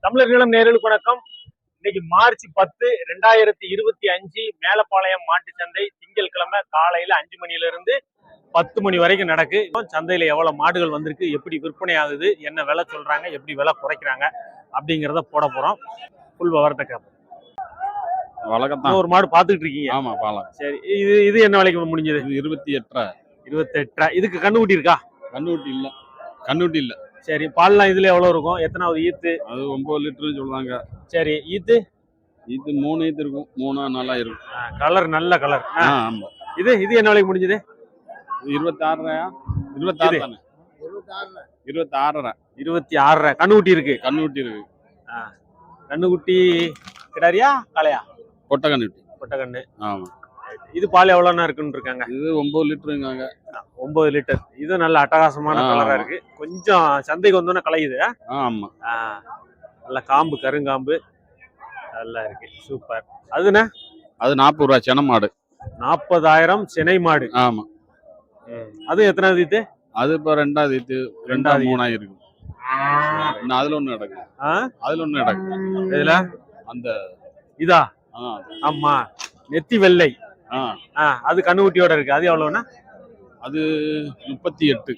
தமிழர்களும் நேயர்களுக்கு வணக்கம். இன்னைக்கு மார்ச் 10, 2025 மேலப்பாளையம் மாட்டு சந்தை திங்கட்கிழமை காலையில 5 மணில இருந்து 10 மணி வரைக்கும் நடக்கு. சந்தையில எவ்வளவு மாடுகள் வந்திருக்கு, எப்படி விற்பனை ஆகுது, என்ன விலை சொல்றாங்க, எப்படி விலை குறைக்கிறாங்க அப்படிங்கிறத போட போறோம். புல் விவரத்தை கேட்போம். வழக்கத்தான் ஒரு மாடு பாத்துக்கிட்டு இருக்கீங்க? ஆமா, பாலம். சரி, இது என்ன விலைக்கு முடிஞ்சது? 28. இதுக்கு கண்ணுக்குட்டி இருக்கா? கண்ணுட்டி இல்ல. சரி, பால்லாம் இதுல எவ்வளவு இருக்கும்? எத்தனாவது ஈத்து? அது 9 லிட்டர் சொல்றாங்க. சரி, ஈத்து 3 ஈத்து இருக்கும். 3 நல்லா இருக்கும். கலர் நல்ல கலர். ஆமா. இது என்ன விலைக்கு முடிஞ்சது? 26. 26 தானே? 26. 26. கண்ணுக்குட்டி இருக்கு. கண்ணுக்குட்டி கிடாரியா காளையா? கொட்டை கண்ணு. ஆமா. இது பால் எவ்வளவுனா இருக்குன்னு இருக்காங்க? இது 9 லிட்டருங்க. 9 லிட்டர். இது நல்ல அட்டகாசமான கலரா இருக்கு. கொஞ்சம் சந்தைக்கு வந்தோன்னா கலையுது. ஆமா. நல்ல காம்பு, கருங்காம்பு நல்லா இருக்கு. சூப்பர். அதுனா அது 40 ரூபா சென மாடு. 40,000 சினை மாடு. ஆமா. அது எத்தனாவது ஈத்து? அது இப்ப 2வது ஈத்து. 2 3 இருக்கு. அதுல ஒண்ணு நடக்கும். இதுல அந்த இதா? ஆமா, நெத்தி வெள்ளை. அது கண்ணுக்குட்டியோட இருக்கு. அது எவ்வளவுனா? அது 38.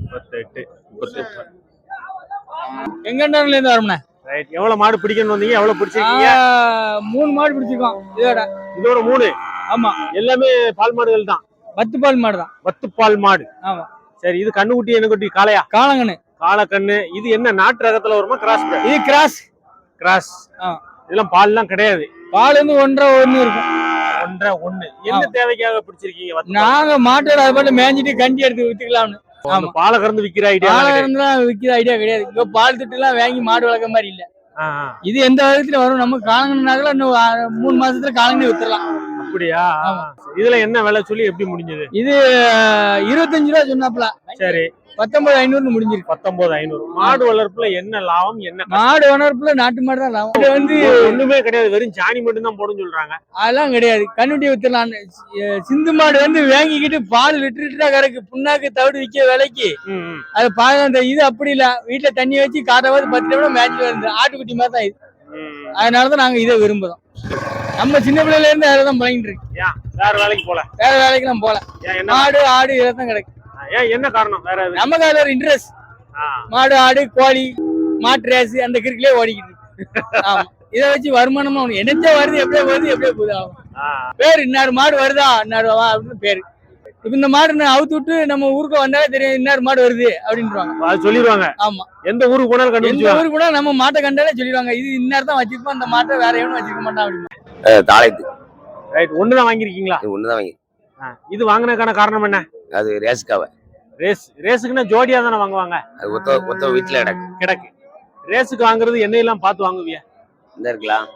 எங்கல இருந்து வரணும். ரைட். எவ்வளவு மாடு பிடிக்கணும் வந்தீங்க? எவ்வளவு பிடிச்சிருக்கீங்க? 3 மாடு பிடிச்சிருக்கோம். இதோட 3. ஆமா, எல்லாமே பால் மாடுகள் தான். 10 பால் மாடு தான். 10 பால் மாடு. ஆமா. சரி, இது கண்ணுக்குட்டி என்ன குட்டி? காளையா? காளக்கண்ணு. இது என்ன நாட்டு ரகத்துல வருமா கிராஸ்? இது கிராஸ். இதெல்லாம் பால்லாம் கிடையாது. பால் வந்து 1.5 இருக்கும். 1.5. என்ன தேவைக்காக பிடிச்சிருக்கீங்க? நாங்க மாட்டோட அது மட்டும் மேஞ்சிட்டு கண்டி எடுத்து வித்துக்கலாம்னு. பாலை கறந்து விக்கிற ஐடியா? விக்கிற ஐடியா கிடையாது. இங்க பால் திட்டு எல்லாம் வாங்கி மாடு வளர்க்க மாதிரி இல்ல. இது எந்த விதத்துல வரும்? நம்ம காலங்கன்னால இன்னும் 3 மாசத்துல காலங்கன்னு வித்துடலாம். அப்படியா? இதுல என்ன விலை சொல்லி எப்படி முடிஞ்சது? இது 25 ரூபா சொன்னாப்ல. சரி, 19,500 முடிஞ்சிருக்கு. 19,500. மாடு வளர்ப்புல என்ன லாபம்? என்ன மாடு வளர்ப்புல நாட்டு மாடு தான் லாபம். இது வந்து ஒண்ணுமே கிடையாது, வெறும் சாணி மட்டும் தான் போடுன்னு சொல்றாங்க. அதெல்லாம் கிடையாது. கண்ணுட்டி வித்துலாம். சிந்து மாடு வந்து வாங்கிக்கிட்டு பால் லிட்டரா கறக்கு. புண்ணாக்கு தவிடு விற்க விலைக்கு அது பால். இது அப்படி இல்ல, வீட்டுல தண்ணி வச்சு காட்டாவது 10 நிமிடம் மேட்ச் வருது. ஆட்டுக்குட்டி மாதிரி தான் இது. அதனாலதான் நாங்க இதை விரும்புறோம். நம்ம சின்ன பிள்ளைல இருந்து அதெல்லாம் பழகிட்டு இருக்கு. வேற வேலைக்கு போல? வேற வேலைக்கு போல. மாடு ஆடு இதெல்லாம் கிடைக்கும். என்ன காரணம்? வேற நமக்கு அதுல ஒரு இன்ட்ரெஸ்ட். மாடு ஆடு கோழி மாட்டு ரேஸ் அந்த கிரிக்கிலே ஓடிக்கிட்டு இருக்கு. ஆமா, இதை வச்சு வருமானமா என்னச்சா வருது, எப்படியே போகுது. ஆகும் பேரு இன்னாரு மாடு வருதா, இன்னாரு அப்படின்னு பேரு. இப்ப இந்த மாடு அவுத்து விட்டு நம்ம ஊருக்கு வந்தாலே தெரியும் இன்னாரு மாடு வருது அப்படின்றாங்க. சொல்லிடுவாங்க. ஆமா, எந்த ஊருக்கு போனாலும் எந்த ஊருக்கு போனா நம்ம மாட்டை கண்டாலே சொல்லிடுவாங்க, இது இன்னார் தான் வச்சிருப்போம், அந்த மாட்டை வேற எவனும் வச்சிருக்க மாட்டான் அப்படின்னு. தாளைத்து. ரைட். ஒண்ணுதான் வாங்கிருக்கீங்களா? ஒண்ணுதான் வாங்கி. இது வாங்கினதுக்கான காரணம் என்ன? அது ரேஸ்க்காக. ரேஸுக்குன்னா ஜோடியா தானே வாங்குவாங்க? அது ஒத்த வீட்டுல கிடக்கு. ரேஸுக்கு வாங்குறது எண்ணெயெல்லாம் பார்த்து வாங்குவியா? இந்த இருக்கலாம்.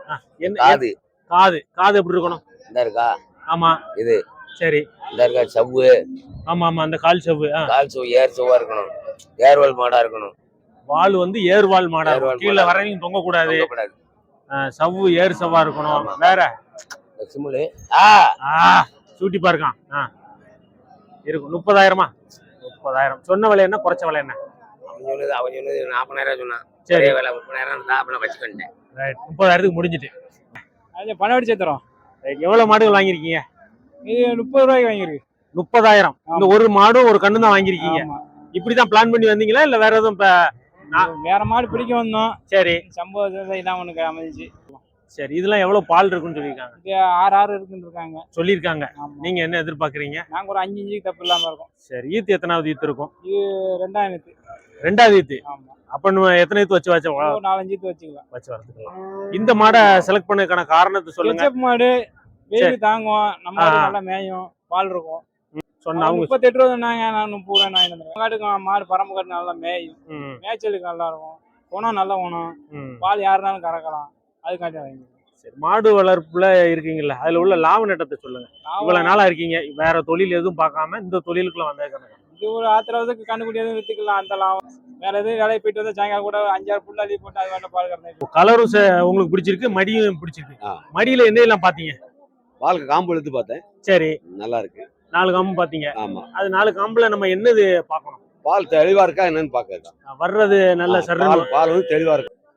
காது எப்படி இருக்கணும்? இந்த இருக்கா? ஆமா. இது சரி. இந்த இருக்கா சவ்வு? ஆமா, அந்த கால் சவ்வு. ஏர் சவ்வா இருக்கணும். ஏர்வால் மாடா இருக்கணும். வால் வந்து ஏர்வால் மாடா இருக்கணும். கீழே வரையும் தொங்க கூடாது. சவ்வு ஏர் சவ்வா இருக்கணும். வேற சிமுலு சூட்டி பாருக்கான் இருக்கும். 30,000. 30,000 சொன்ன விலை என்ன, குறைச்ச விலை என்ன? அவன் சொன்னது 40,000 சொன்னான். சரி, விலை 30,000 வச்சுக்கிட்டேன். 30,000க்கு முடிஞ்சிட்டு. அது பணம் அடிச்சு தரோம். எவ்வளவு மாடுகள் வாங்கிருக்கீங்க? இது 30 ரூபாய்க்கு வாங்கிருக்கு. 30,000. இந்த ஒரு மாடும் ஒரு கண்ணு தான் வாங்கிருக்கீங்க. இப்படிதான் பிளான் பண்ணி வந்தீங்களா இல்ல வேற எதுவும்? வேற மாடு பிடிக்க வந்தோம். சரி, சம்பவம் இதான் உனக்கு அமைஞ்சிச்சு. சரி. இதெல்லாம் எவ்வளவு பால் இருக்குன்னு சொல்லிருக்காங்க? 6 இருக்குன்னு இருக்காங்க சொல்லிருக்காங்க. நீங்க என்ன எதிர்பார்க்கறீங்க? நாங்க ஒரு 5 தப்பு இல்லாம இருக்கும். சரி, ஈத்து எத்தனாவது ஈத்து இருக்கும்? இது 2வது. 2வது ஈத்து. ஆமா. அப்ப நம்ம எத்தனை ஈத்து வச்சு 4-5 ஈத்து வச்சுக்கலாம். வச்சு வளர்த்துக்கலாம். இந்த மாடை செலக்ட் பண்ணதுக்கான காரணத்தை சொல்லுங்க. மாடு வெயில் தாங்கும், நம்ம நல்லா மேயும், பால் இருக்கும். சொன்னா 38 ரூபா சொன்னாங்க. நான் 30 ரூபா வாங்கிட்டு மாடு பரம்பு கட்டு நல்லா மேயும், மேய்ச்சலுக்கு நல்லா இருக்கும். குணம் நல்ல குணம், பால் யாருனாலும் கறக்கலாம். அதுக்காண்டி வாங்கி. சரி, மாடு வளர்ப்புல இருக்கீங்கல்ல, அதுல உள்ள லாப நட்டத்தை சொல்லுங்க. இவ்வளவு நாளா இருக்கீங்க, வேற தொழில் எதுவும் பார்க்காம இந்த தொழிலுக்குள்ள வந்தேன். இது ஒரு ஆத்திரத்துக்கு கண்டுபிடி எதுவும் வித்துக்கலாம். அந்த லாபம் வேற எதுவும் வேலையை போயிட்டு வந்து சாயங்காலம் கூட 5-6 புல் அள்ளி போட்டு அது வேண்டாம் பால் கறந்து. கலரும் உங்களுக்கு பிடிச்சிருக்கு, மடியும் பிடிச்சிருக்கு. மடியில என்ன எல்லாம் பாத்தீங்க? பாலுக்கு காம்பு எடுத்து பார்த்தேன். சரி, நல்லா இருக்கு. 4 காம்பு பாத்தீங்க? ஆமா. அது 4 காம்புல நம்ம என்னது பார்க்கணும்? பால் தெளிவா இருக்கா என்னன்னு பாக்க வர்றது நல்ல சர்ற பால் வந்து தெளிவா இருக்கு.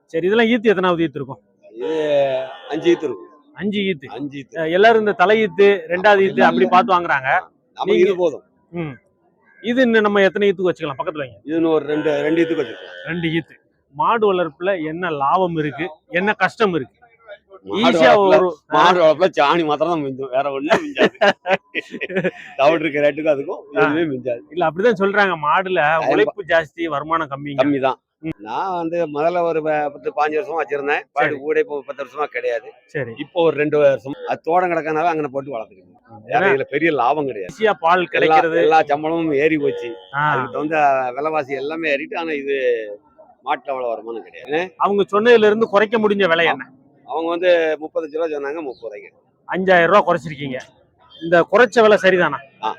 சரி, இதெல்லாம் ஈத்து எத்தனாவது ஈத்து இருக்கும்? இது 5 ஈத்து இருக்கும். 5 ஈத்து. 5 ஈத்து. எல்லாரும் இந்த தலை ஈத்து, 2வது ஈத்து அப்படி பார்த்து வாங்குறாங்க. நமக்கு இது போதும். ம். இது இன்னும் நம்ம எத்தனை ஈத்துக்கு வச்சுக்கலாம் பக்கத்துல வைங்க? இது இன்னும் ஒரு 2 ஈத்துக்கு வச்சிருக்கோம். 2 ஈத்து. மாடு வளர்ப்புல என்ன லாபம் இருக்கு, என்ன கஷ்டம் இருக்கு? மாடு ஈஸியா வளர்ப்புல- ஒரு மாடு வளர்ப்புல சாணி மாத்திரம் தான் மிஞ்சும், வேற ஒண்ணும் மிஞ்சாது. தவிடு இருக்க ரேட்டுக்கும் அதுக்கும் எதுவுமே மிஞ்சாது. இல்ல அப்படிதான் சொல்றாங்க, மாடுல உழைப்பு ஜாஸ்தி, வருமானம் கம்மிங்க. கம்மி தான். நான் முதல்ல ஒரு 10-15 வருஷமா வச்சிருந்தேன். பாடு கூட இப்போ 10 வருஷமா கிடையாது. சரி. இப்போ ஒரு 2 வருஷம் அது தோட்டம் கிடக்கனால அங்கே போட்டு வளர்த்துக்கணும். வேற இதுல பெரிய லாபம் கிடையாது. ஈஸியா பால் கிடைக்கிறது. எல்லா சம்பளமும் ஏறி போச்சு. ஆ. அதுக்கு வந்து விலைவாசி எல்லாமே ஏறிட்டு. ஆனா இது மாட்டுல அவ்வளவு வருமானம் கிடையாது. அவங்க சொன்னதுல இருந்து குறைக்க முடிஞ்ச விலை என்ன? அவங்க வந்து 35 ரூபா சொன்னாங்க, 30 ரூபாய்க்கு 5000 ரூபாய் குறைச்சிருக்கீங்க. இந்த குறைச்ச விலை சரிதானா? ஆ.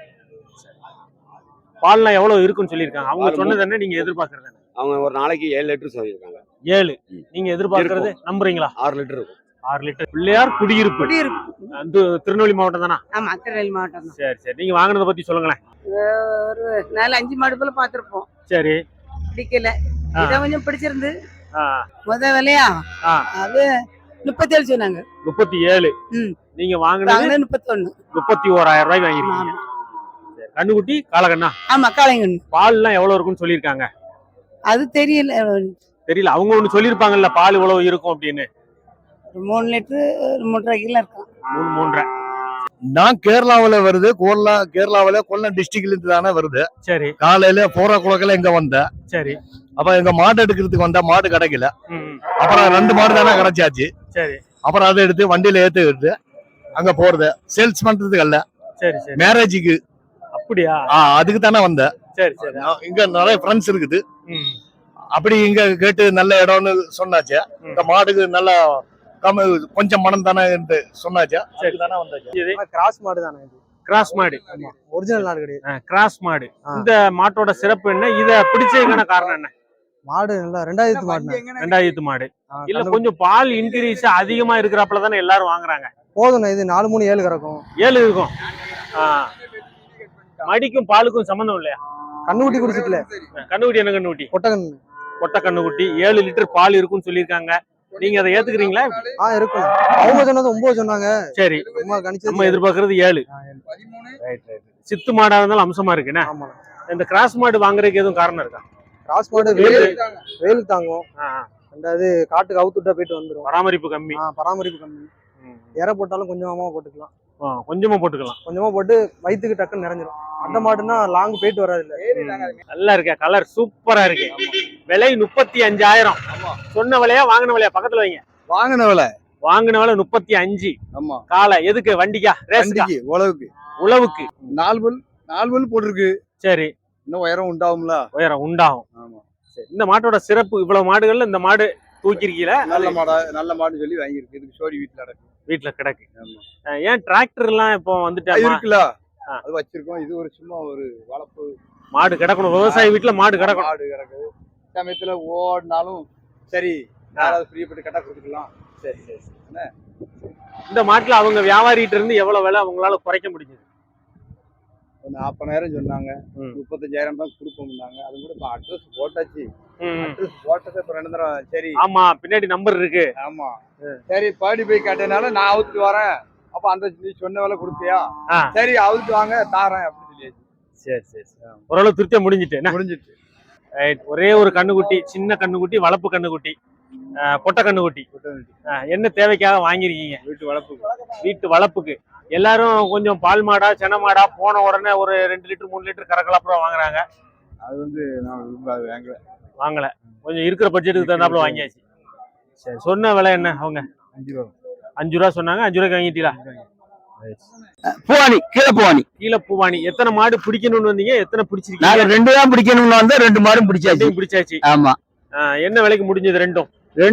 பால்லாம் எவ்வளவு இருக்குன்னு சொல்லியிருக்காங்க. அவங்க பால் சொன்னது என்ன, நீங்க எதிர்பார்க்கறது என்ன? அவங்க ஒரு நாளைக்கு 7 லிட்டர் சொல்லியிருக்காங்க. 7. நீங்க எதிர்பார்க்கறது நம்புறீங்களா? 6 லிட்டர் இருக்கும். 6 லிட்டர். பிள்ளையார் குடியிருப்பு. அது திருநெல்வேலி மாவட்டம் தானா? ஆமா, திருநெல்வேலி மாவட்டம் தான். சரி சரி. நீங்க வாங்குனதை பத்தி சொல்லுங்களேன். ஒரு 4-5 மாடு போல பாத்திருப்போம். சரி. பிடிக்கல. ஆ. இதை கொஞ்சம் பிடிச்சிருந்து ஆ. முத விலையா ஆ. அது 37 சொன்னாங்க. 37. ம். நீங்க வாங்குனது 31. 31000 ரூபாய்க்கு வாங்கிருக்கீங்க. சரி. கண்ணுக்குட்டி காலகண்ணா ஆமா, காளைங்கன்னு. பால்லாம் எவ்வளவு இருக்குன்னு சொல்லியிருக்காங்க? அது தெரியல. தெரியல. அவங்க ஒண்ணு சொல்லியிருப்பாங்கல்ல, பால் இவ்வளவு இருக்கும் அப்படின்னு. ஒரு 3 லிட்டர் 3.5 கிலோ இருக்கும். 3.5. நான் கேரளாவில வருது. கேரளாவில கொல்லம் டிஸ்ட்ரிக்ட்ல இருந்து தானே வருது. சரி காலையில 4 o'clock இங்க வந்தேன். சரி. அப்ப எங்க மாடு எடுக்கிறதுக்கு வந்தா மாடு கிடைக்கல. ம். அப்புறம் 2 மாடு தானே கிடைச்சாச்சு. சரி அப்புறம் அதை எடுத்து வண்டியில ஏத்து அங்க போறது சேல்ஸ் பண்றதுக்கு அல்ல, சரி சரி. மேரேஜுக்கு. அப்படியா? அதுக்கு தானே வந்தேன். சரி சரி. இங்க நிறைய ஃப்ரெண்ட்ஸ் இருக்குது. ம். அப்படி இங்க கேட்டு நல்ல இடம்னு சொன்னாச்சு. இந்த மாடுக்கு நல்ல கொஞ்சம் மனம் தானே சொன்னாச்சா. சரி. தானே வந்தாச்சு. இது கிராஸ் மாடு தானே இது. கிராஸ் மாடு. ஒரிஜினல் நாடு கிடையாது. கிராஸ் மாடு. ஆ. இந்த மாட்டோட சிறப்பு என்ன? இத பிடிச்சதுக்கான காரணம் என்ன? மாடு நல்லா 2000 மாடு. 2000 மாடு. இல்ல கொஞ்சம் பால் இன்க்ரீஸ் அதிகமா இருக்கிறப்பல தானே எல்லாரும் வாங்குறாங்க. போதும். இது 4-3-7 கறக்கும். 7 இருக்கும். ஆ. மடிக்கும் பாலுக்கும் சம்பந்தம் இல்லையா? கண்ணுக்குட்டி குடிச்சிட்டுல. கண்ணுக்குட்டி என்ன கண்ணுக்குட்டி? கொட்டகன். கொட்டை கண்ணுக்குட்டி 7 லிட்டர் பால் இருக்குன்னு சொல்லியிருக்காங்க. நீங்க அதை ஏத்துக்கிறீங்களா? இருக்கும். அவங்க சொன்னது 9 சொன்னாங்க. சரி. நம்ம கணிச்சது நம்ம எதிர்பார்க்கறது 7. சித்து மாடா இருந்தாலும் அம்சமா இருக்குண்ணே. ஆமா. இந்த கிராஸ் மாடு வாங்குறதுக்கு எதுவும் காரணம் இருக்கா? கிராஸ் மாடு வெயில் தாங்கும். ஆ. ரெண்டாவது காட்டுக்கு அவுத்துட்டா போயிட்டு வந்துரும். பராமரிப்பு கம்மி. பராமரிப்பு கம்மி. இற போட்டாலும் கொஞ்சமா போட்டுக்கலாம். கொஞ்சமா போட்டுக்கலாம். கொஞ்சமா போட்டு வயிற்றுக்கு டக்குன்னு நிறைஞ்சிரும். அந்த மாடுன்னா லாங் போயிட்டு வராது இல்ல. நல்லா இருக்கா? கலர் சூப்பரா இருக்கு. விலை 35000. சொன்ன விலையா வாங்கின விலையா? பக்கத்துல வைங்க. வாங்கின விலை. வாங்கின விலை 35. ஆமா. காலை எதுக்கு? வண்டிக்கா? ரேஸ்க்கா? உழவுக்கு. உழவுக்கு. 4 பல் போட்டிருக்கு. சரி. இன்னும் உயரம் உண்டாகும்ல. உயரம் உண்டாகும். ஆமா. சரி. இந்த மாட்டோட சிறப்பு, இவ்வளவு மாடுகள்ல இந்த மாடு தூக்கிருக்கீல? நல்ல மாடு சொல்லி வாங்கியிருக்கு. இதுக்கு சோடி வீட்டுல கிடக்கு. ஏன் டிராக்டர் எல்லாம் இப்போ வந்துட்டா இருக்குல்ல, அது வச்சிருக்கோம். இது ஒரு சும்மா ஒரு வளர்ப்பு மாடு கிடக்கணும். விவசாய வீட்டுல மாடு கிடக்கணும். மாடு கிடக்குது. சமயத்துல ஓடினாலும் சரி, யாராவது பிரியப்பட்டு கட்ட கொடுத்துக்கலாம். சரி சரி. இந்த மாட்டுல அவங்க வியாபாரிகிட்ட இருந்து எவ்வளவு விலை அவங்களால குறைக்க முடிஞ்சது? 40,000 சொன்னாங்க. 35,000 தான் கொடுப்போம்னாங்க. அது கூட இப்ப அட்ரஸ் போட்டாச்சு. அட்ரஸ் போட்டது இப்ப 2 தடவை. சரி. ஆமா, பின்னாடி நம்பர் இருக்கு. ஆமா. சரி, பாடி போய் கேட்டனால நான் அவுத்து வரேன். அப்ப அந்த நீ சொன்ன வேலை கொடுத்தியா? சரி, அவுத்து வாங்க தாரேன் அப்படின்னு சொல்லியாச்சு. சரி சரி. ஓரளவு திருப்தியா முடிஞ்சிட்டு முடிஞ்சிட்டு. ஒரே ஒரு கண்ணுக்குட்டி, சின்ன கண்ணுக்குட்டி, வளர்ப்பு கண்ணுக்குட்டி, பொட்டை கண்ணுக்குட்டி. என்ன தேவைக்காக வாங்கிருக்கீங்க? வீட்டு வளர்ப்புக்கு. எல்லாரும் கொஞ்சம் பால் மாடா சென மாடா போன உடனே ஒரு 2 லிட்டர் 3 லிட்டர் கறக்கலாப்புறம் வாங்குறாங்க. அது வந்து நான் வாங்கல. கொஞ்சம் இருக்கிற பட்ஜெட்டுக்கு தகுந்தாப்புல வாங்கியாச்சு. சரி. சொன்ன விலை என்ன அவங்க? 5 ரூபா. 5 ரூபா சொன்னாங்க. 5 ரூபாய்க்கு வாங்கிட்டீங்களா? பூவானி, கீழே பூவானி. கீழே பூவானி. எத்தனை மாடு பிடிக்கணும்னு வந்தீங்க? எத்தனை பிடிச்சிருக்கீங்க? நாங்க 2 தான் பிடிக்கணும்னு வந்தா 2 மாடும் பிடிச்சாச்சு. பிடிச்சாச்சு. ஆமா. என்ன விலைக்கு முடிஞ்சது? ரெண்டும்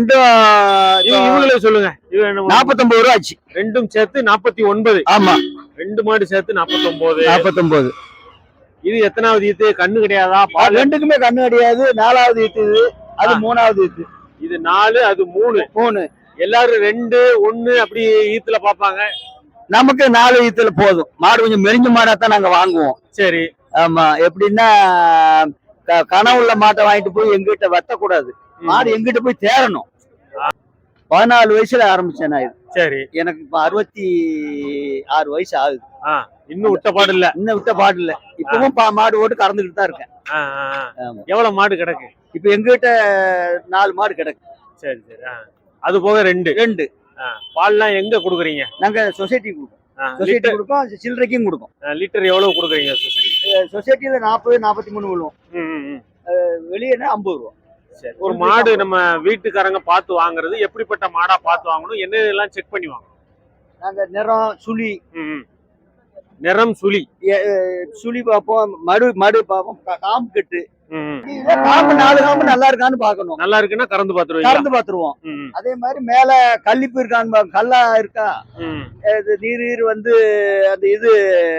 இவங்களே சொல்லுங்க. 49 ரூபா ஆச்சு. ரெண்டும் சேர்த்து 49. ஆமா. 2 மாடு சேர்த்து 49. 49. இது எத்தனாவது ஈத்து? கண்ணு கிடையாதா? பால் ரெண்டுக்குமே கண்ணு கிடையாது. 4வது ஈத்து இது. அது 3வது ஈத்து. இது 4, அது 3. எல்லாரும் 2, 1 அப்படி ஈத்துல பாப்பாங்க. நமக்கு 4 ஈத்துல போதும். மாடு கொஞ்சம் மெரிஞ்ச மாடா தான் நாங்க வாங்குவோம். சரி. ஆமா. எப்படின்னா கனவுள்ள மாட்டை வாங்கிட்டு போய் எங்கிட்ட வெட்டக்கூடாது. மாடு எங்கிட்ட போய் தேரணும். 14 வயசுல ஆரம்பிச்சேன் நான் இது. சரி. எனக்கு இப்ப 66 வயசு ஆகுது. இன்னும் விட்ட பாடு இல்ல. இன்னும் விட்ட பாடு இல்ல. இப்பவும் மாடு ஓட்டு கறந்துக்கிட்டு தான் இருக்கேன். ஆமா. எவ்வளவு மாடு கிடக்கு? இப்ப எங்ககிட்ட 4 மாடு கிடக்கு. சரி சரி. அது போக 2. பால்லாம் எங்க குடுக்குறீங்க? நாங்க சொசைட்டி கொடுப்போம். சொசைட்டி கொடுப்போம், சில்லறைக்கும் கொடுப்போம். லிட்டர் எவ்வளவு குடுக்குறீங்க சொசைட்டி? சொசைட்டில 40 43 விழுவோம். வெளியேனா 50 ரூபா. சரி. ஒரு மாடு நம்ம வீட்டுக்காரங்க பார்த்து வாங்குறது எப்படிப்பட்ட மாடா பார்த்து வாங்கணும்? என்ன எல்லாம் செக் பண்ணி வாங்கணும்? நாங்க நிறம், சுழி, நிறம், சுழி சுழி பார்ப்போம், மடு பார்ப்போம், காம்பு கட்டு. காம்பு 4 காம்பு நல்லா இருக்கான்னு பாக்கணும். நல்லா இருக்குன்னா கறந்து பாத்துருவோம். அதே மாதிரி மேல கல்லிப்பு இருக்கான்னு கல்லா இருக்கா, நீர் வந்து அந்த இது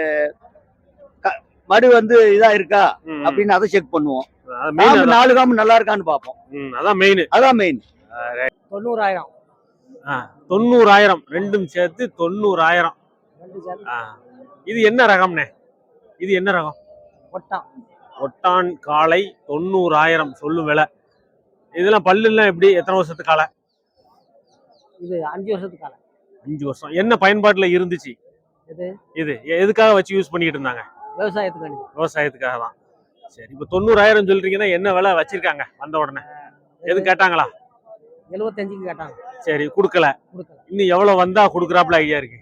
மடு வந்து இதா இருக்கா அப்படின்னு அதை செக் பண்ணுவோம். 4 காம்பு நல்லா இருக்கான்னு பாப்போம். அதான் மெயின். 90,000. 90,000 ரெண்டும் சேர்த்து 90,000. இது என்ன ரகம்னே? இது என்ன ரகம்? ஒட்டான் காளை 90,000 சொல்லும் விலை. இதெல்லாம் பல்லுலாம் எப்படி? எத்தனை வருஷத்துக்கு காளை? இது 5 வருஷத்துக்கு காளை. 5 வருஷம். என்ன பயன்பாட்டுல இருந்துச்சு இது? எதுக்காக வச்சு யூஸ் பண்ணிட்டு இருந்தாங்க? விவசாயத்துக்காக தான். சரி. இப்ப 90,000 சொல்றீங்கன்னா என்ன விலை வச்சிருக்காங்க வந்த உடனே? எது கேட்டாங்களா? 75க்கு கேட்டாங்க. சரி. குடுக்கல. இன்னும் எவ்வளவு வந்தா குடுக்கறாப்ல ஐடியா இருக்கு?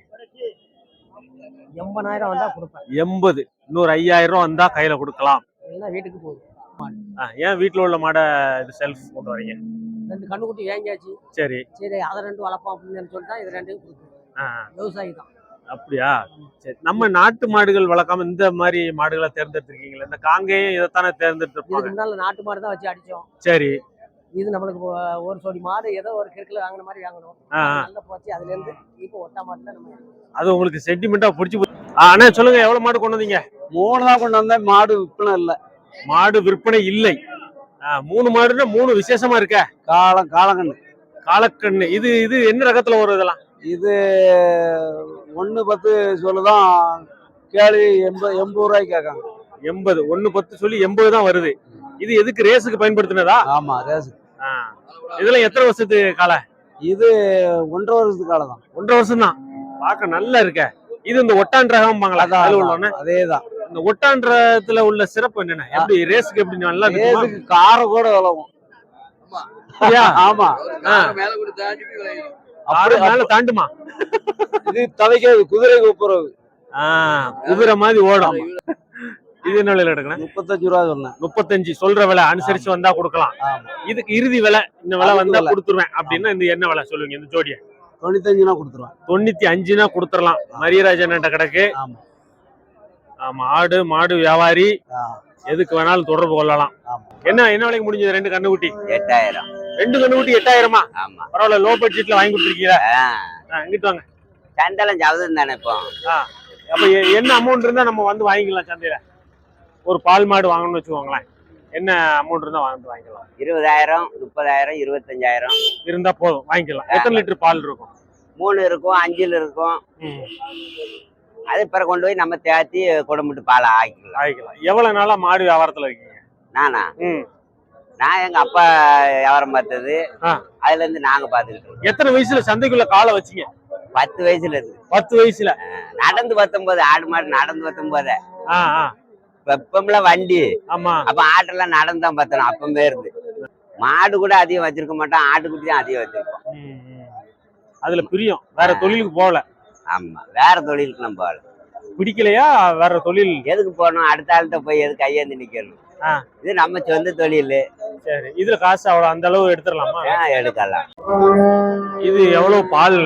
80,000 வந்தா கொடுப்பேன். 80. இன்னொரு 5,000 வந்தா கையில கொடுக்கலாம். வீட்டுக்கு போகுது. ஏன் வீட்டுல உள்ள மாடை இது செல்ஃப் கொண்டு வரீங்க? 2 கண்ணுக்குட்டி வாங்கியாச்சு. சரி. அதை 2 வளர்ப்போம் அப்படின்னு சொல்லிட்டா இது 2 கொடுக்கும். விவசாயி தான். அப்படியா? சரி. நம்ம நாட்டு மாடுகள் வளர்க்காம இந்த மாதிரி மாடுகளை தேர்ந்தெடுத்திருக்கீங்களா? இந்த காங்கேயம் இதைத்தானே தேர்ந்தெடுத்திருப்பாங்க. முன்னால நாட்டு மாடு தான் வச்சு அடிச்சோம். சரி. இது நம்மளுக்கு ஒரு சோடி மாடு ஏதோ ஒரு கிழக்குல வாங்கின மாதிரி வாங்கணும். நல்லா போச்சு. அதுல இருந்து இப்போ ஒட்டா மாடு தான் நம்ம. அது உங்களுக்கு சென்டிமெண்டா பிடிச்சி போச்சு. அண்ணா சொல்லுங்க, எவ்வளவு மாடு கொண்டு வந்தீங்க? 3 தான் கொண்டு வந்தேன். மாடு விற்பனை இல்ல. மாடு விற்பனை இல்லை. 3 மாடுன்னா 3 விசேஷமா இருக்க. காலக்கண்ணு. காலக்கண்ணு. இது இது என்ன ரகத்துல வரும் இதெல்லாம்? இது 1-10 சொல்லுதான் கேள்வி. 80 ரூபாய்க்கு கேட்காங்க. 80. 1-10 சொல்லி 80 தான் வருது. இது எதுக்கு? ரேஸுக்கு பயன்படுத்தினதா? ஆமா, ரேஸுக்கு. இதெல்லாம் எத்தனை வருஷத்து காலை? இது 1.5 வருஷத்துக்கு காலை தான். 1.5 வருஷம் தான். பார்க்க நல்லா இருக்க. இது இந்த ஒட்டான் ரகம்பாங்களா? அதேதான். இந்த ஒட்டான்றதுல உள்ள சிறப்பு என்னன்னா, எப்படி ரேஸுக்கு எப்படி நல்லா ரேஸுக்கு காரை கூட விளவும். ஆமா. மேல தாண்டுமா? இது தவைக்காது, குதிரை கூப்புறது. குதிரை மாதிரி ஓடும். இது என்ன விலையில எடுக்கணும்? 35 ரூபா சொன்னேன். 35 சொல்ற விலை அனுசரிச்சு வந்தா கொடுக்கலாம். இதுக்கு இறுதி விலை இந்த விலை வந்தா கொடுத்துருவேன் அப்படின்னா இந்த என்ன விலை சொல்லுவீங்க? இந்த ஜோடியை 95 கொடுத்துருவேன். 95 கொடுத்துடலாம். மரியராஜன் கிடக்கு. ஆமா. ஆடு மாடு வியாபாரி எதுக்கு வேணாலும் தொடர்பு கொள்ளலாம். என்ன என்ன விலைக்கு முடிஞ்சது? 2 கண்ணுக்குட்டி 8,000. 2 கண்ணுக்குட்டி 8,000. ஆமா. பரவாயில்ல. லோ பட்ஜெட்ல வாங்கி கொடுத்துருக்கீங்க. இங்கிட்டு வாங்க. சந்தலம் ஜாவதம் தானே இப்போ. அப்ப என்ன அமௌண்ட் இருந்தா நம்ம வந்து வாங்கிக்கலாம் சந்தையில? ஒரு பால் மாடு வாங்கணும்னு வச்சுக்கோங்களேன், என்ன அமௌண்ட் இருந்தா வாங்கிக்கலாம்? 20,000, 30,000, 25,000 இருந்தா போதும், வாங்கிக்கலாம். எத்தனை லிட்டர் பால் இருக்கும்? 3 இருக்கும், 5 இருக்கும். அது பிறகு கொண்டு போய் நம்ம தேத்தி குடம்பிட்டு பாலை ஆக்கிக்கலாம். எவ்வளவு நாளா மாடு வியாபாரத்துல இருக்கீங்க? நானா? நான் எங்க அப்பா வியாபாரம் பார்த்தது. அதுல இருந்து நாங்க பாத்துக்கிட்டு இருக்கோம். எத்தனை வயசுல சந்தைக்குள்ள காலை வச்சீங்க? 10 வயசுல இருக்கு. 10 வயசுல நடந்து 19. ஆடு மாடு நடந்து 19. வெப்பம்ல வண்டி. ஆமா. அப்ப ஆட்டெல்லாம் நடந்தான் பார்த்தோம். அப்பவே இருந்து மாடு கூட அதிகம் வச்சிருக்க மாட்டோம். ஆட்டுக்குட்டி தான் அதிகம் வச்சிருக்கோம். அதுல பிரியம். வேற தொழிலுக்கு போகல. ஆமா, வேற தொழிலுக்கு நம்ம போகல. பிடிக்கலையா? வேற தொழில் எதுக்கு போகணும்? அடுத்த ஆள்கிட்ட போய் எதுக்கு கையேந்து நிக்கணும்? இது நம்ம சொந்த தொழில். சரி. இதுல காசு அவ்வளவு அந்த அளவு எடுத்துடலாமா? எடுக்கலாம். இது எவ்வளவு பால்?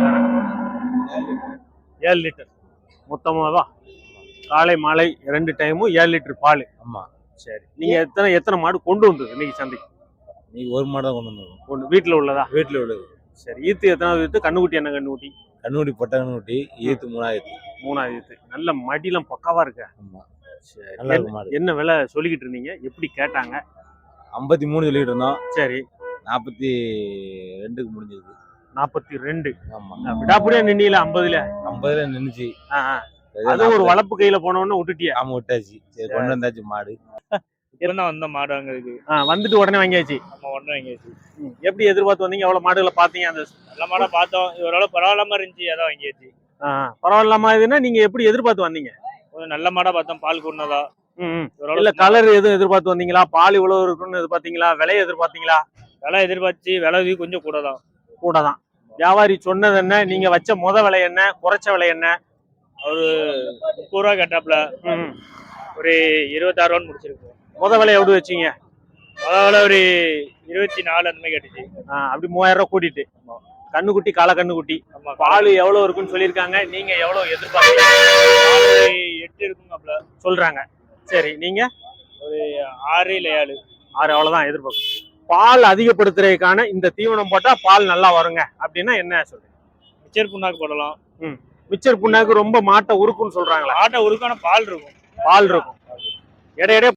7 லிட்டர் மொத்தமாவா? காலை மாலை 2 டைமும் 7 லிட்டர் பால். ஆமா. சரி. நீங்க எத்தனை மாடு கொண்டு வந்தது இன்னைக்கு சந்தைக்கு? நீங்க ஒரு மாடு தான் கொண்டு வந்தோம். வீட்டுல உள்ளதா? வீட்டுல உள்ளது. சரி. ஈத்து எத்தனாவது ஈத்து? கண்ணுக்குட்டி என்ன கண்ணுக்குட்டி? கண்ணுக்குட்டி பொட்டை கண்ணுக்குட்டி. ஈத்து 3வது ஈத்து. நல்ல மடிலாம் பக்காவா இருக்க. ஆமா. சரி. நல்லா இருக்கு மாடு. என்ன விலை சொல்லிக்கிட்டு இருந்தீங்க? எப்படி கேட்டாங்க? 53 சொல்லிட்டு இருந்தோம். சரி. 42க்கு முடிஞ்சது. 42. ஆமா. விடாப்புடியா நின்னீல? 50ல 50ல நின்னுச்சு. அது ஒரு வளப்பு கையில போனவொன்னு விட்டுட்டியா? ஆமா, விட்டாச்சு. சரி, கொண்டு வந்தாச்சு மாடு. இப்பதான் வந்த மாடு வாங்குறதுக்கு. வந்துட்டு உடனே வாங்கியாச்சு. நம்ம உடனே வாங்கியாச்சு. எப்படி எதிர்பார்த்து வந்தீங்க? எவ்வளவு மாடுகளை பாத்தீங்க? அந்த நல்ல மாடா பார்த்தோம். ஓரளவு பரவாயில்லாம இருந்துச்சு, அதான் வாங்கியாச்சு. பரவாயில்லாம இதுன்னா நீங்க எப்படி எதிர்பார்த்து வந்தீங்க? ஒரு நல்ல மாடா பார்த்தோம், பால் கூடனதா. இல்ல கலர் எதுவும் எதிர்பார்த்து வந்தீங்களா? பால் இவ்வளவு இருக்குன்னு எதிர்பார்த்தீங்களா? விலை எதிர்பார்த்தீங்களா? விலை எதிர்பார்த்து விலை கொஞ்சம் கூட தான். வியாபாரி சொன்னது என்ன? நீங்க வச்ச விலை என்ன? குறைச்ச விலை என்ன? ஒரு 30 ரூபா கேட்டாப்ல. ஒரு 26 ரூபான்னு முடிச்சிருக்கோம். விலை எப்படி வச்சீங்க? விலை ஒரு 24 அந்த மாதிரி கேட்டுச்சு. அப்படி 3000 ரூபாய் கூட்டிட்டு. கண்ணுக்குட்டி, கால கண்ணுக்குட்டி. பால் எவ்வளவு இருக்குன்னு சொல்லியிருக்காங்க. நீங்க எவ்வளவு எதிர்பார்த்தீங்க? 8 இருக்குங்கப்ல சொல்றாங்க. சரி, நீங்க ஒரு 6 இல்ல 7. அவ்வளவுதான் எதிர்பார்க்கும். பால் அதிகப்படுத்துறதுக்கான இந்த தீவனம் போட்டா பால் நல்லா வருங்க அப்படின்னா என்ன சொல்றீங்க? மிச்சர் புண்ணாக்கு போடலாம். மிச்சர் புண்ணாக்கு ரொம்ப மாட்டை உருக்குன்னு சொல்றாங்களா? ஆட்டை உருக்கான பால் இருக்கும். இடையிடையே